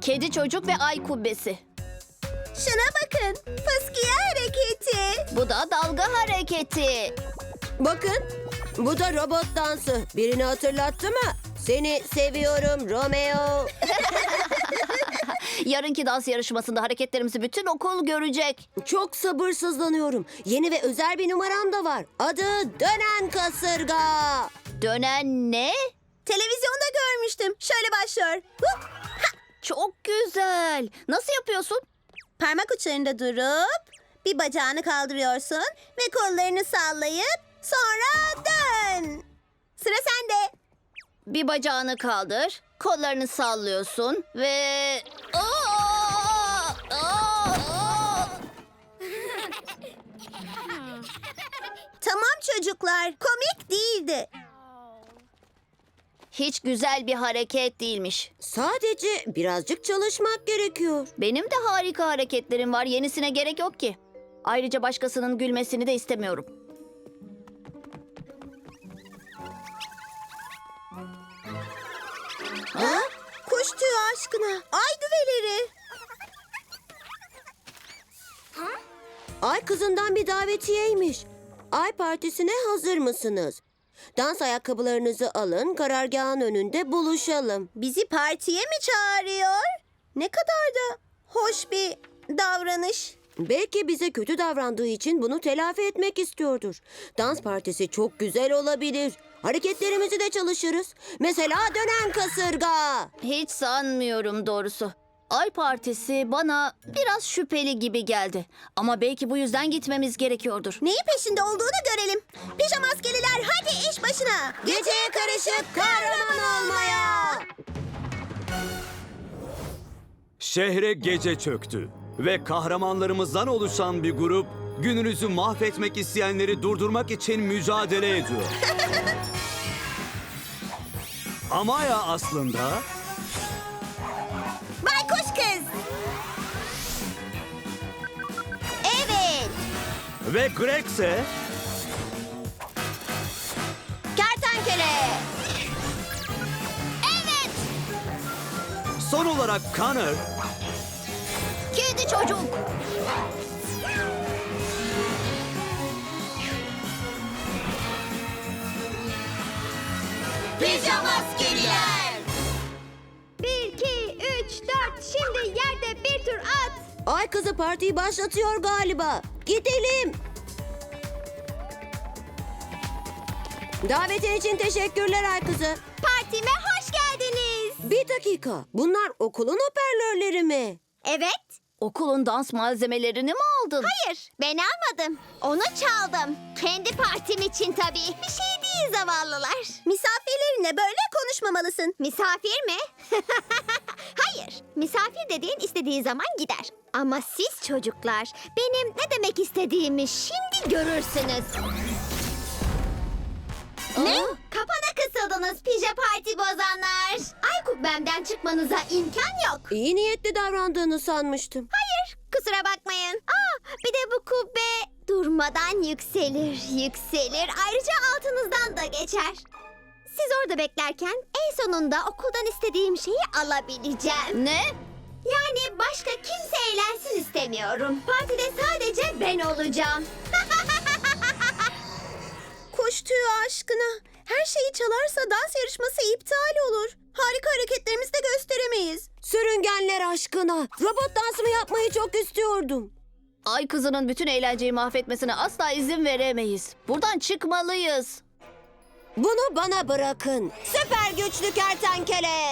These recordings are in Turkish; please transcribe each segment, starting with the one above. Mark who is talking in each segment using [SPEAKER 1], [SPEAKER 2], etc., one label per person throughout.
[SPEAKER 1] Kedi çocuk ve ay kubbesi.
[SPEAKER 2] Şuna bakın. Fıskiye hareketi.
[SPEAKER 1] Bu da dalga hareketi.
[SPEAKER 3] Bakın, bu da robot dansı. Birini hatırlattı mı? Seni seviyorum Romeo.
[SPEAKER 1] Yarınki dans yarışmasında hareketlerimizi bütün okul görecek.
[SPEAKER 3] Çok sabırsızlanıyorum. Yeni ve özel bir numaram da var. Adı Dönen Kasırga.
[SPEAKER 1] Dönen ne?
[SPEAKER 2] Televizyonda görmüştüm. Şöyle başlıyor. Hup!
[SPEAKER 1] Çok güzel. Nasıl yapıyorsun?
[SPEAKER 2] Parmak uçlarında durup bir bacağını kaldırıyorsun ve kollarını sallayıp sonra dön. Sıra sende.
[SPEAKER 1] Bir bacağını kaldır, kollarını sallıyorsun ve...
[SPEAKER 2] Tamam çocuklar, komik değildi.
[SPEAKER 1] Hiç güzel bir hareket değilmiş.
[SPEAKER 3] Sadece birazcık çalışmak gerekiyor.
[SPEAKER 1] Benim de harika hareketlerim var. Yenisine gerek yok ki. Ayrıca başkasının gülmesini de istemiyorum.
[SPEAKER 2] Ha? Kuş tüyü aşkına. Ay düveleri.
[SPEAKER 3] Ay kızından bir davetiyeymiş. Ay partisine hazır mısınız? Dans ayakkabılarınızı alın, karargahın önünde buluşalım.
[SPEAKER 2] Bizi partiye mi çağırıyor? Ne kadar da hoş bir davranış.
[SPEAKER 3] Belki bize kötü davrandığı için bunu telafi etmek istiyordur. Dans partisi çok güzel olabilir. Hareketlerimizi de çalışırız. Mesela dönen kasırga.
[SPEAKER 1] Hiç sanmıyorum doğrusu. Ay partisi bana biraz şüpheli gibi geldi. Ama belki bu yüzden gitmemiz gerekiyordur.
[SPEAKER 2] Neyin peşinde olduğunu görelim. Pijamaskeliler hadi iş başına.
[SPEAKER 3] Geceye karışıp kahraman olmaya.
[SPEAKER 4] Şehre gece çöktü ve kahramanlarımızdan oluşan bir grup gününüzü mahvetmek isteyenleri durdurmak için mücadele ediyor. Amaya aslında
[SPEAKER 2] Baykuş kız. Evet.
[SPEAKER 4] ve Greg ise
[SPEAKER 2] Kertenkele. Evet.
[SPEAKER 4] son olarak Connor
[SPEAKER 1] Kedi çocuk.
[SPEAKER 2] Pijamaskeliler.
[SPEAKER 5] 1, 2, 3, 4. Şimdi yerde bir tur at.
[SPEAKER 3] Ay kızı partiyi başlatıyor galiba. Gidelim. Davetin için teşekkürler Ay kızı.
[SPEAKER 5] Partime hoş geldiniz.
[SPEAKER 3] Bir dakika. Bunlar okulun hoparlörleri mi?
[SPEAKER 5] Evet.
[SPEAKER 1] Okulun dans malzemelerini mi aldın?
[SPEAKER 5] Hayır, ben almadım. Onu çaldım. Kendi partim için tabii. Bir şey değil zavallılar.
[SPEAKER 2] Misafirlerinle böyle konuşmamalısın.
[SPEAKER 5] Misafir mi? Hayır. Misafir dediğin istediği zaman gider. Ama siz çocuklar benim ne demek istediğimi şimdi görürsünüz. Ne? Kapana kısıldınız pija parti bozanlar. Ay kubbemden çıkmanıza imkan yok.
[SPEAKER 3] İyi niyetli davrandığını sanmıştım.
[SPEAKER 5] Hayır, kusura bakmayın. Bir de bu kubbe durmadan yükselir, yükselir. Ayrıca altınızdan da geçer. Siz orada beklerken en sonunda okuldan istediğim şeyi alabileceğim.
[SPEAKER 1] Ne?
[SPEAKER 5] Yani başka kimse eğlensin istemiyorum. Partide sadece ben olacağım.
[SPEAKER 2] Kuş tüyü aşkına. Her şeyi çalarsa dans yarışması iptal olur. Harika hareketlerimizi de gösteremeyiz.
[SPEAKER 3] Sürüngenler aşkına. Robot dansımı yapmayı çok istiyordum.
[SPEAKER 1] Ay kızının bütün eğlenceyi mahvetmesine asla izin veremeyiz. Buradan çıkmalıyız.
[SPEAKER 3] Bunu bana bırakın. Süper güçlü kertenkele.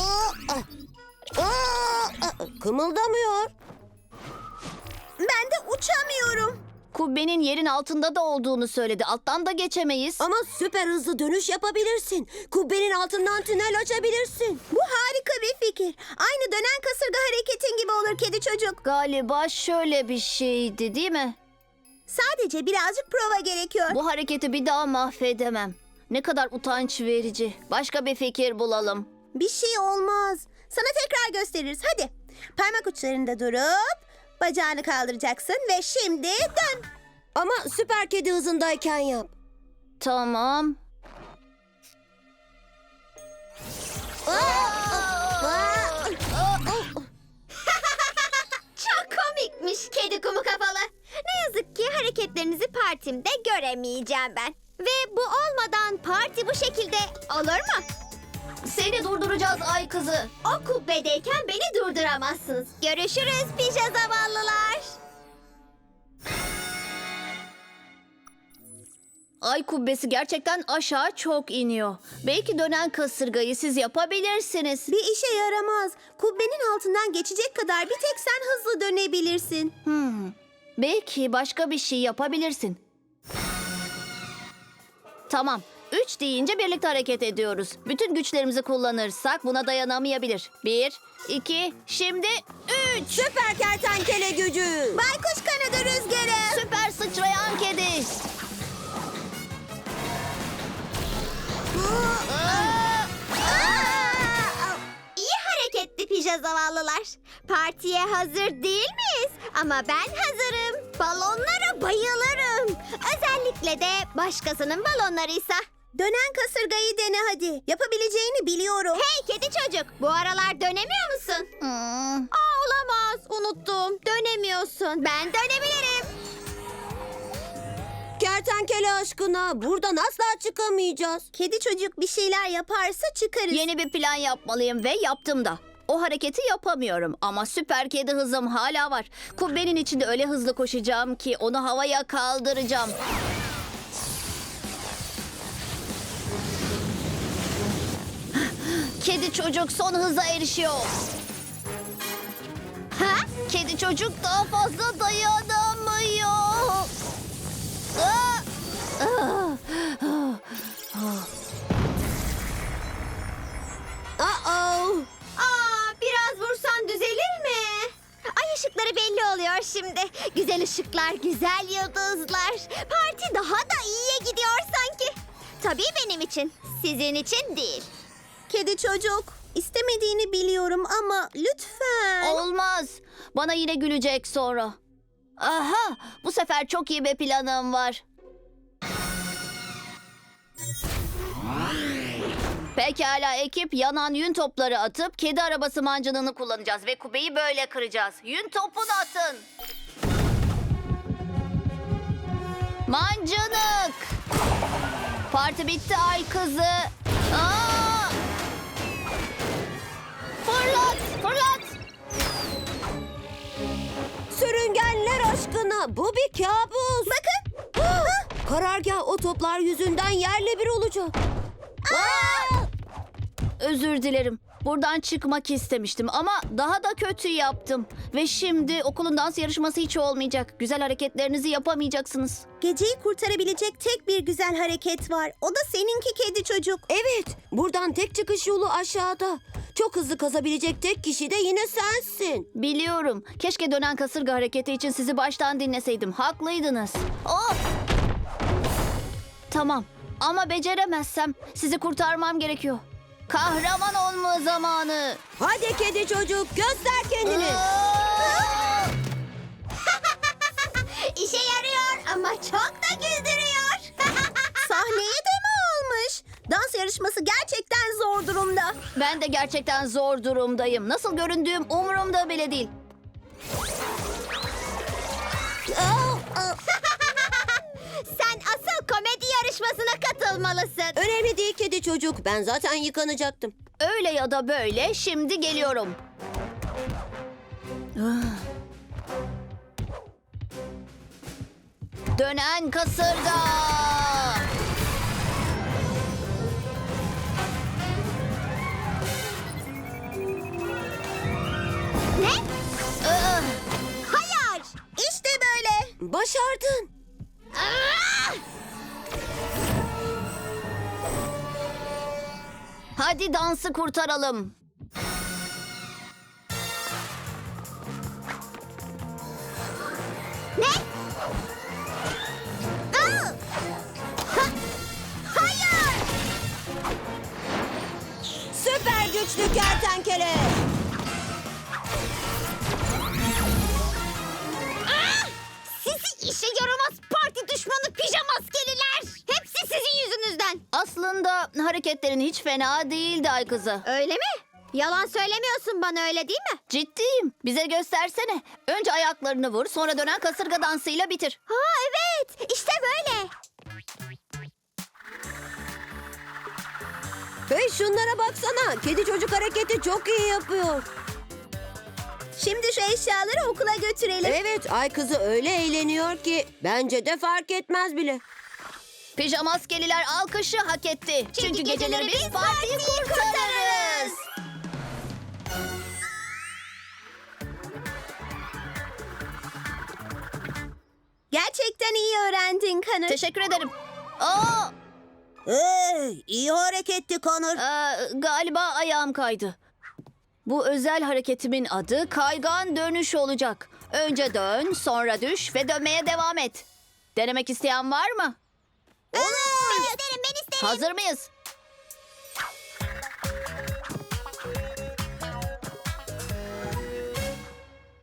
[SPEAKER 3] Kımıldamıyor.
[SPEAKER 2] Ben de uçamıyorum.
[SPEAKER 1] Kubbenin yerin altında da olduğunu söyledi. Alttan da geçemeyiz.
[SPEAKER 3] Ama süper hızlı dönüş yapabilirsin. Kubbenin altından tünel açabilirsin.
[SPEAKER 2] Bu harika bir fikir. Aynı dönen kasırga hareketin gibi olur kedi çocuk.
[SPEAKER 1] Galiba şöyle bir şeydi değil mi?
[SPEAKER 2] Sadece birazcık prova gerekiyor.
[SPEAKER 1] Bu hareketi bir daha mahvedemem. Ne kadar utanç verici. Başka bir fikir bulalım.
[SPEAKER 2] Bir şey olmaz. Sana tekrar gösteririz. Hadi. Parmak uçlarında durup bacağını kaldıracaksın ve şimdi dön.
[SPEAKER 3] Ama süper kedi hızındayken yap.
[SPEAKER 1] Tamam.
[SPEAKER 5] partimde göremeyeceğim ben. Ve bu olmadan parti bu şekilde olur mu?
[SPEAKER 1] Seni durduracağız ay kızı.
[SPEAKER 5] O kubbedeyken beni durduramazsınız. Görüşürüz pija zavallılar.
[SPEAKER 1] Ay kubbesi gerçekten aşağı çok iniyor. Belki dönen kasırgayı siz yapabilirsiniz.
[SPEAKER 2] Bir işe yaramaz. Kubbenin altından geçecek kadar bir tek sen hızlı dönebilirsin.
[SPEAKER 1] Belki başka bir şey yapabilirsin. Tamam. 3 deyince birlikte hareket ediyoruz. Bütün güçlerimizi kullanırsak buna dayanamayabilir. 1, 2, şimdi 3.
[SPEAKER 3] Süper kertenkele gücü.
[SPEAKER 2] Baykuş kanadı rüzgarı.
[SPEAKER 1] Süper sıçrayan kedi.
[SPEAKER 5] İyi hareketli pija zavallılar. Partiye hazır değil miyiz? Ama ben hazırım. Balonlara bayılırım. Özellikle de başkasının balonlarıysa.
[SPEAKER 2] Dönen kasırgayı dene hadi. Yapabileceğini biliyorum.
[SPEAKER 5] Hey kedi çocuk, bu aralar dönemiyor musun? Olamaz, unuttum. Dönemiyorsun. Ben dönebilirim.
[SPEAKER 3] Kertenkele aşkına buradan asla çıkamayacağız.
[SPEAKER 2] Kedi çocuk bir şeyler yaparsa çıkarız.
[SPEAKER 1] Yeni bir plan yapmalıyım ve yaptım da. O hareketi yapamıyorum ama süper kedi hızım hala var. Kubbenin içinde öyle hızlı koşacağım ki onu havaya kaldıracağım. Kedi çocuk son hıza erişiyor.
[SPEAKER 5] Ha?
[SPEAKER 1] Kedi çocuk daha fazla dayanamıyor. Aa!
[SPEAKER 5] Biraz vursan düzelir mi? Ay ışıkları belli oluyor şimdi. Güzel ışıklar, güzel yıldızlar. Parti daha da iyiye gidiyor sanki. Tabii benim için, sizin için değil.
[SPEAKER 2] Kedi çocuk. İstemediğini biliyorum ama lütfen.
[SPEAKER 1] Olmaz. Bana yine gülecek sonra. Aha, bu sefer çok iyi bir planım var. Pekala ekip, yanan yün topları atıp kedi arabası mancınını kullanacağız ve kubbeyi böyle kıracağız. Yün topunu atın. Mancınık. Parti bitti ay kızı. Aa! Fırlat, fırlat.
[SPEAKER 3] Sürüngenler aşkına bu bir kabus.
[SPEAKER 2] Bakın.
[SPEAKER 3] Karargah o toplar yüzünden yerle bir olacak.
[SPEAKER 1] Özür dilerim. Buradan çıkmak istemiştim ama daha da kötü yaptım. Ve şimdi okulun dans yarışması hiç olmayacak. Güzel hareketlerinizi yapamayacaksınız.
[SPEAKER 2] Geceyi kurtarabilecek tek bir güzel hareket var. O da seninki kedi çocuk.
[SPEAKER 3] Evet, buradan tek çıkış yolu aşağıda. Çok hızlı kazabilecek tek kişi de yine sensin.
[SPEAKER 1] Biliyorum. Keşke dönen kasırga hareketi için sizi baştan dinleseydim. Haklıydınız. Oh! Tamam. Ama beceremezsem sizi kurtarmam gerekiyor. Kahraman olma zamanı.
[SPEAKER 3] Hadi kedi çocuk, göster kendini.
[SPEAKER 5] İşe yarıyor ama çok da güldürüyor.
[SPEAKER 2] Sahneye de mi almış? Dans yarışması gerçekten zor durumda.
[SPEAKER 1] Ben de gerçekten zor durumdayım. Nasıl göründüğüm umurumda bile değil.
[SPEAKER 5] Sen asıl komedi yarışmasına katılmalısın.
[SPEAKER 3] Önemli değil kedi çocuk, ben zaten yıkanacaktım.
[SPEAKER 1] Öyle ya da böyle şimdi geliyorum. Dönen kasırga.
[SPEAKER 5] Ne?
[SPEAKER 1] Ah!
[SPEAKER 5] Hayır.
[SPEAKER 2] İşte böyle.
[SPEAKER 3] Başardın.
[SPEAKER 1] Hadi dansı kurtaralım.
[SPEAKER 5] Ne? Hayır.
[SPEAKER 3] Süper güçlü kertenkele.
[SPEAKER 5] Sizi işe yaramaz parti düşmanı pijama maskeliler. Hepsi sizin yüzünüzden.
[SPEAKER 1] Aslında hareketlerin hiç fena değildi ay kızı.
[SPEAKER 5] Öyle mi? Yalan söylemiyorsun bana, öyle değil mi?
[SPEAKER 1] Ciddiyim. Bize göstersene. Önce ayaklarını vur, sonra dönen kasırga dansıyla bitir.
[SPEAKER 5] Ha evet, işte böyle.
[SPEAKER 3] Hey şunlara baksana. Kedi çocuk hareketi çok iyi yapıyor.
[SPEAKER 2] Şimdi şu eşyaları okula götürelim.
[SPEAKER 3] Evet, ay kızı öyle eğleniyor ki bence de fark etmez bile.
[SPEAKER 1] Pijamaskeliler alkışı hak etti. Çünkü geceleri biz partiyi kurtarırız.
[SPEAKER 2] Gerçekten iyi öğrendin Connor.
[SPEAKER 1] Teşekkür ederim. Aa,
[SPEAKER 2] Hey, iyi hareketti Connor.
[SPEAKER 1] galiba ayağım kaydı. Bu özel hareketimin adı kaygan dönüş olacak. Önce dön, sonra düş ve dönmeye devam et. Denemek isteyen var mı?
[SPEAKER 5] Ben isterim, ben isterim.
[SPEAKER 1] Hazır mıyız?